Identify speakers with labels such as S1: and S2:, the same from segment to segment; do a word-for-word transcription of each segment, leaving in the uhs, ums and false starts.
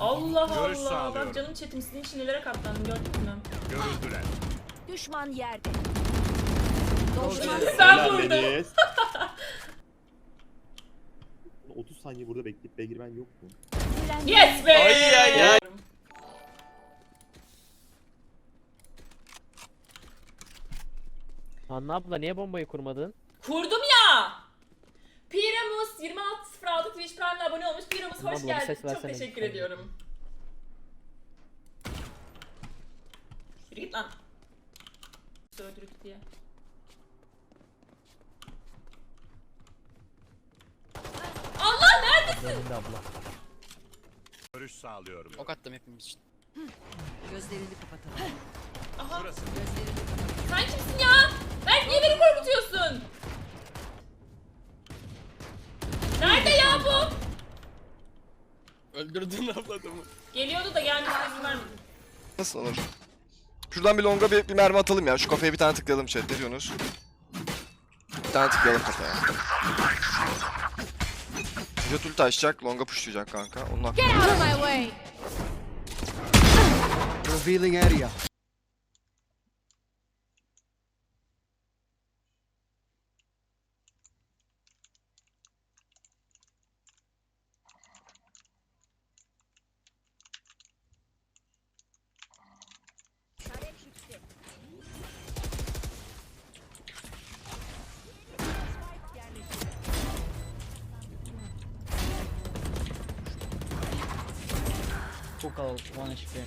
S1: Allah
S2: Görüş
S1: Allah.
S2: sağlıyorum.
S1: Bak canım chatim sizin için nelere katlandım gördün mü?
S2: Görüldüler.
S3: Düşman yerde.
S1: Sen vurdun.
S4: otuz saniye burada bekleyip B'ye girmen yok mu?
S1: Yes be.
S5: Ay ay ay.
S6: Anne abla niye bombayı kurmadın?
S1: Kurdum ya. Piramus yirmi altı sıfır altı Twitch Prime'le abone olmuş. Piramus
S6: Abla,
S1: hoş
S6: bir
S1: geldin.
S6: ses
S1: Çok
S6: versene
S1: teşekkür
S6: lütfen.
S1: ediyorum. Yürü git lan. Öldürük diye. Allah neredesin?
S6: Önünde abla.
S2: Görüş sağlıyorum.
S5: Ok attım hepimiz için.
S3: Gözlerini kapatalım.
S1: Aha.
S2: Burası.
S3: Gözlerini kapatalım.
S1: Sen kimsin ya? Berk niye beni korkutuyorsun? Nerede ya bu?
S5: Öldürdün abladımı.
S1: Geliyordu da gelmesine izin vermedim.
S7: Nasıl olur? Şuradan bir longa bir, bir mermi atalım ya. Şu kafaya bir tane tıklayalım chat. Ne diyorsunuz? Bir tane tıklayalım kafaya. Jet ulti açacak. Longa pushlayacak kanka. Onun hakkı.
S3: Get out of my way.
S8: Revealing area.
S6: Çok al, one H P.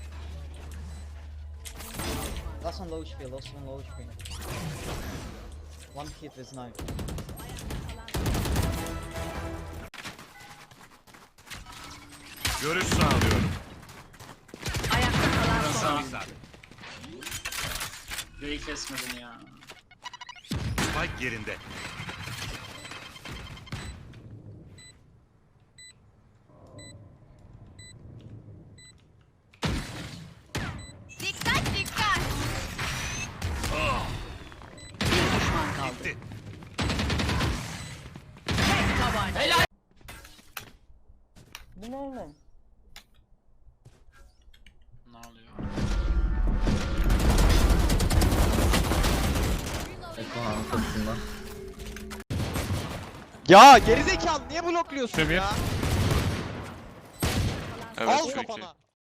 S6: Last one low H P, last one low H P. One hit with knife.
S2: Görüş sağlıyorum.
S3: Ayakta kalan son.
S9: Göğü kesmedin ya.
S2: Spike yerinde.
S3: Dikkat dikkat. Bir düşman kaldı.
S2: Gitti.
S3: Tek tabanca. Helal.
S6: Bu ne oğlum?
S9: Ne oluyor?
S8: Ya gerizekalı niye blokluyorsun ya?
S7: Evet,
S8: Al
S7: şu iki.
S8: kafana.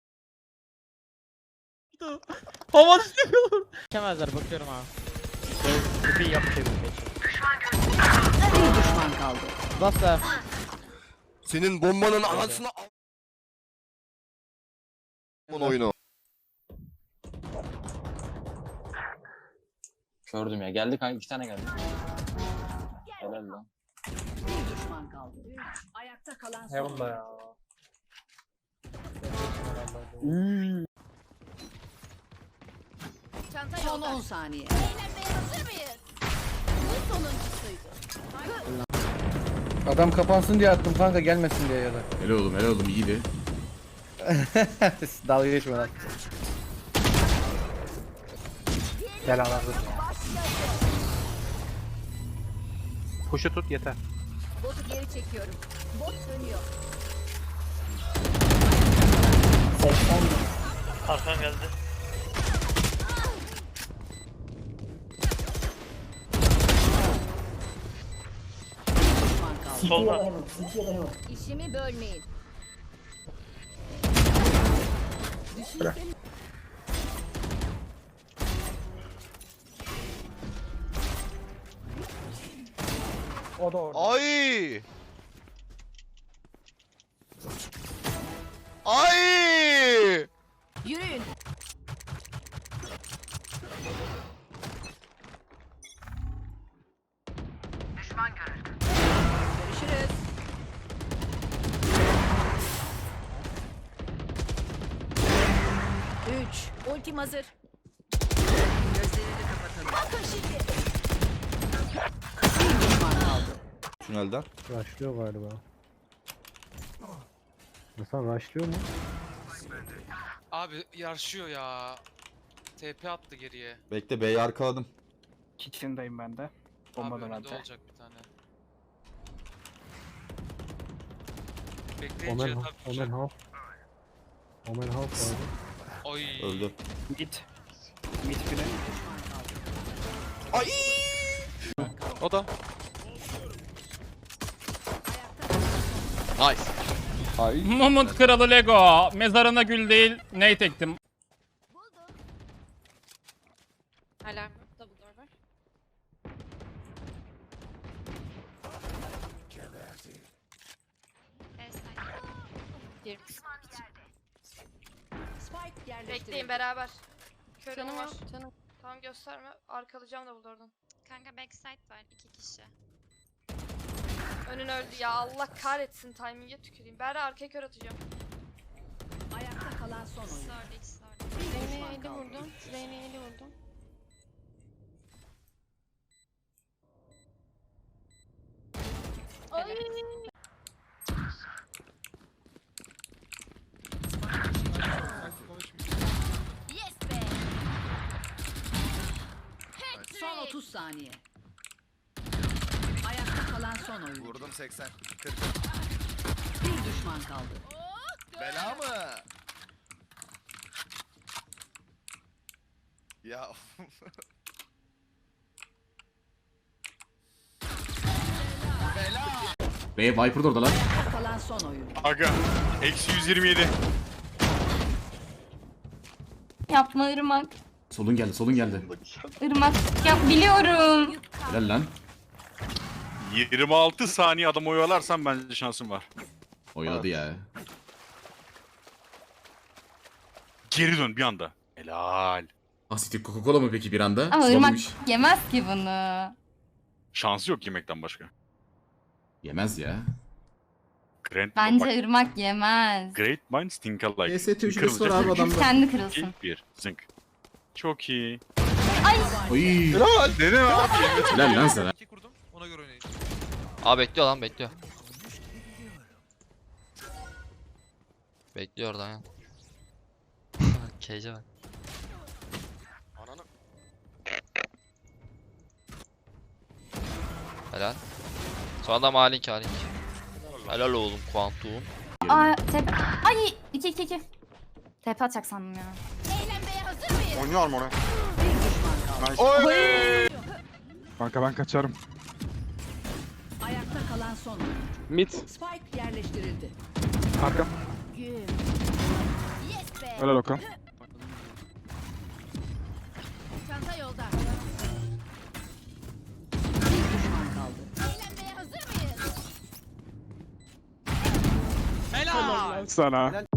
S6: Hava tutuyor. Geçemezler bakıyorum ha. Bir yap çevir geç.
S3: Bir düşman kaldı.
S6: Nasıl?
S7: Senin bombanın anasını al. Bunun oyunu.
S9: Gördüm ya. Geldi kanka. iki tane geldi. Helal lan.
S3: Bir düşman kaldı. Ayakta kalan son.
S6: Heaven'da ya.
S3: Çanta son on saniye. Eğlenmeye hazır mıyız? Bu sonuncusuydu.
S8: Adam kapansın diye attım kanka gelmesin diye ya da.
S2: Helal oğlum helal oğlum iyiydi.
S8: Dalga geçme lan. Gel al al. Kuşu tut yeter.
S3: Botu geri çekiyorum. Bot dönüyor.
S6: Arkan geldi.
S3: Bir düşman kaldı.
S6: Solda.
S3: İşimi bölmeyin.
S8: O da orada.
S7: Ay! Ay!
S3: Yürüyün. Düşman görüldü. Görüşürüz. Üç. Ultim hazır. Gözlerini kapatalım. Bakın şimdi. Bir düşman kaldı.
S4: Tünelden.
S8: Rushlıyor galiba. Nasıl rushlıyor mu?
S5: Abi yarışıyor ya. T P attı geriye.
S4: Bekle B'yi arkaladım.
S8: Kitchen'dayım ben de.
S5: Abi
S8: Bomba da
S5: önünde
S8: bende.
S5: olacak bir tane. Bekleyin
S8: Omen,
S5: Cihat abi
S8: Omen
S5: tutacak.
S8: half. Omen half var.
S5: Oy.
S4: Öldü.
S9: Git. Git bile.
S7: O da. Nice.
S10: Mumut kralı Lego. Mezarına gül değil, ney tektim.
S3: Alarm. Double door var.
S1: Bekleyin beraber. Körüm
S3: Canım
S1: var.
S3: yok. Canım.
S1: Tamam gösterme. Arkalayacağım da burada oradan.
S3: Kanka backside var. iki kişi.
S1: Önün öldü ya. Allah kahretsin, timing'e tüküreyim. Berra arkaya kör atacağım.
S3: Ayakta kalan son oyun. Sordu ikisi sordu. Reyna'ya eli vurdum. Reyna'ya eli vurdum. Yes be. Son otuz saniye. Ayakta kalan son oyun.
S7: Vurdum seksen. kırk.
S3: Bir düşman kaldı.
S7: Bela mı? Ya.
S2: Ve Viper da orada lan.
S3: Ayakta kalan son oyun.
S2: Aga. Eksi yüz yirmi yedi.
S3: Yapma Irmak.
S2: Solun geldi, solun geldi.
S3: Irmak. Yap biliyorum.
S2: Helal lan.
S11: yirmi altı saniye adam oyalarsan bence şansım var.
S2: Oyaladı ya.
S11: Geri dön bir anda. Helal.
S2: Asitik Coca-Cola mı peki bir anda?
S3: Ama
S2: Sulamamış.
S3: Irmak yemez ki bunu.
S11: Şansı yok yemekten başka.
S2: Yemez ya.
S11: Grand,
S3: Bence
S11: bak,
S3: Irmak yemez.
S11: Great minds think alike.
S2: E S T ücreti
S11: Kırılacak.
S2: var abi adamda.
S3: Kendi kırılsın.
S11: bir zınk. Çok iyi.
S2: Oy.
S11: Dedim abi.
S2: Helal lan sana.
S5: kurdum. Ona göre oynayın.
S6: Aa bekliyor lan bekliyor. Bekliyor oradan ya. Cage'e bak.
S7: Ananı.
S6: Helal. Sonra da Malink Malink. Helal oğlum Kuantum.
S3: Aa tepe. Ay iki iki iki. Tepe atacak sandım ya. Eğlenmeye hazır mıyız?
S7: Oynuyor mu oraya?
S3: Bir düşman kaldı.
S11: Kanka ben kaçarım.
S3: Ayakta kalan son oyun.
S11: Mid.
S3: Spike yerleştirildi.
S11: Arka.
S3: Güm. Yes be.
S11: Helal Okan.
S3: Çanta yolda. Bir düşman kaldı. Eğlenmeye hazır mıyız?
S5: Helal.
S11: Sana.